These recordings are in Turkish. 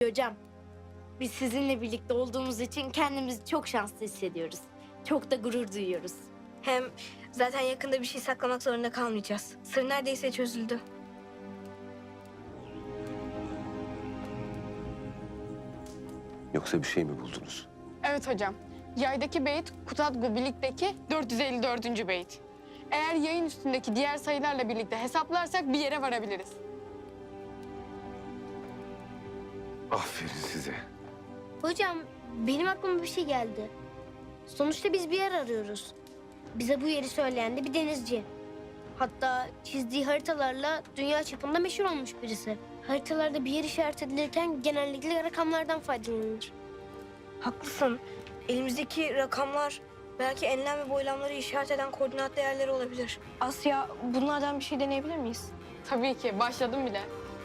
hocam. Biz sizinle birlikte olduğumuz için kendimizi çok şanslı hissediyoruz. Çok da gurur duyuyoruz. Hem zaten yakında bir şey saklamak zorunda kalmayacağız. Sır neredeyse çözüldü. Yoksa bir şey mi buldunuz? Evet hocam. Yaydaki beyit Kutadgu birlikteki 454. beyit. Eğer yayın üstündeki diğer sayılarla birlikte hesaplarsak bir yere varabiliriz. Aferin size. Hocam benim aklıma bir şey geldi. Sonuçta biz bir yer arıyoruz. Bize bu yeri söyleyen de bir denizci. Hatta çizdiği haritalarla dünya çapında meşhur olmuş birisi. Haritalarda bir yer işaret edilirken genellikle rakamlardan faydalanılır. Haklısın. Elimizdeki rakamlar belki enlem ve boylamları işaret eden koordinat değerleri olabilir. Asya, bunlardan bir şey deneyebilir miyiz? Tabii ki. Başladım bile.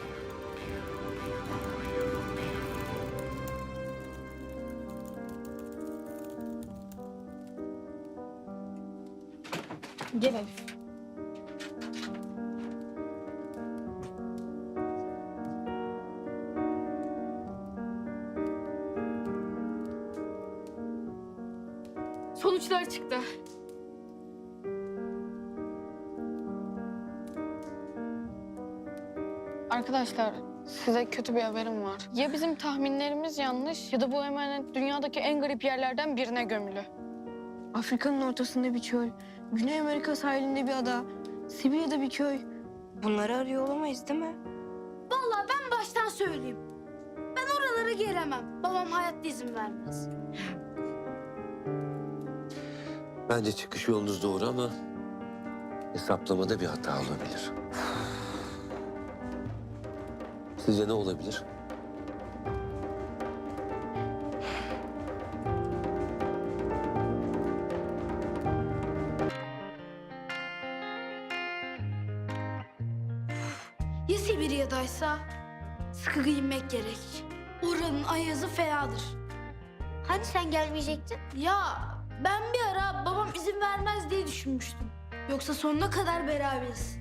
Gel Elif. Sonuçlar çıktı. Arkadaşlar, size kötü bir haberim var. Ya bizim tahminlerimiz yanlış ya da bu emanet dünyadaki en garip yerlerden birine gömülü. Afrika'nın ortasında bir çöl, Güney Amerika sahilinde bir ada, Sibirya'da bir köy. Bunları arıyor olamayız değil mi? Vallahi ben baştan söyleyeyim. Ben oralara gelemem. Babam hayatta izin vermez. Bence çıkış yolunuz doğru ama hesaplamada bir hata olabilir. Sizce ne olabilir? Ya Sibirya'daysa sıkı giyinmek gerek. Oranın ayazı fenadır. Hani sen gelmeyecektin? Ya ben bir ara babam izin vermez diye düşünmüştüm. Yoksa sonuna kadar beraberiz.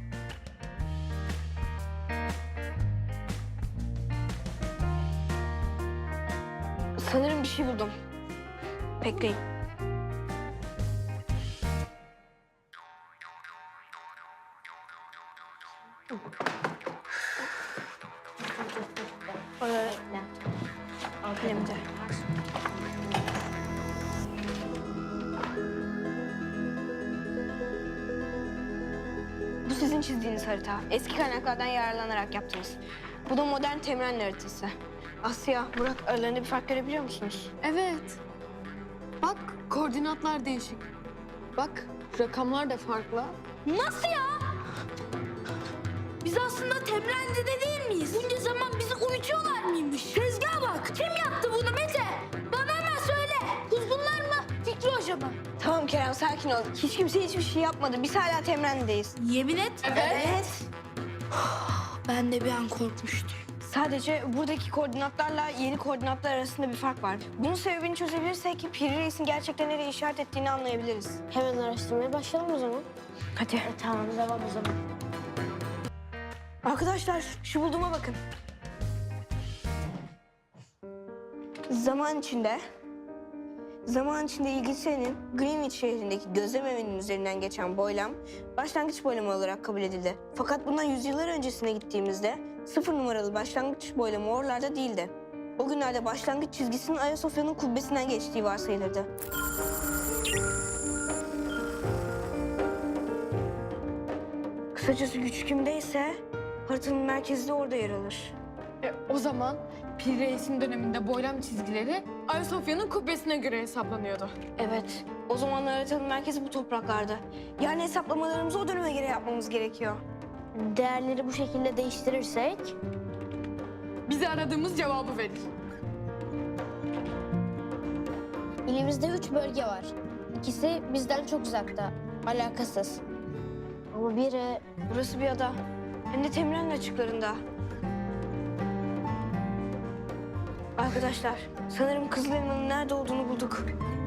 Sanırım bir şey buldum. Bekleyin. Kalemde. Bu sizin çizdiğiniz harita. Eski kaynaklardan yararlanarak yaptınız. Bu da modern Temrenli haritası. Asya, Burak aralarında bir fark görebiliyor musunuz? Evet. Bak, koordinatlar değişik. Bak, rakamlar da farklı. Nasıl ya? Biz aslında Temrenli'de değil miyiz? Bunca zaman bizi uyutuyorlar mıymış? Tezgaha bak. Kim yaptı bunu Mete? Bana hemen söyle. Kuzgunlar mı? Fikri Hoca mı? Tamam Kerem, sakin ol. Hiç kimse hiçbir şey yapmadı. Biz hala Temrenli'deyiz. Yemin et. Evet. Ben de bir an korkmuştum. Sadece buradaki koordinatlarla yeni koordinatlar arasında bir fark var. Bunun sebebini çözebilirsek Piri Reis'in gerçekten nereye işaret ettiğini anlayabiliriz. Hemen araştırmaya başlayalım o zaman. Hadi. Tamam devam o zaman. Arkadaşlar şu bulduğuma bakın. Zaman içinde İngiltere'nin Greenwich şehrindeki gözlem evinin üzerinden geçen boylam başlangıç boylamı olarak kabul edildi. Fakat bundan yüzyıllar öncesine gittiğimizde 0 numaralı başlangıç boylamı oralarda değildi. O günlerde başlangıç çizgisinin Ayasofya'nın kubbesinden geçtiği varsayılırdı. Kısacası güç kimdeyse haritanın merkezi de orada yer alır. O zaman Pir Reis'in döneminde boylam çizgileri Ayasofya'nın kubbesine göre hesaplanıyordu. Evet, o zamanlar haritanın merkezi bu topraklarda. Yani hesaplamalarımızı o döneme göre yapmamız gerekiyor. Değerleri bu şekilde değiştirirsek Bize aradığımız cevabı verir. ilimizde 3 bölge var. İkisi bizden çok uzakta, alakasız. Ama biri Burası bir ada. Hem de Temrenli açıklarında. Arkadaşlar, sanırım Kızıl Elma'nın nerede olduğunu bulduk.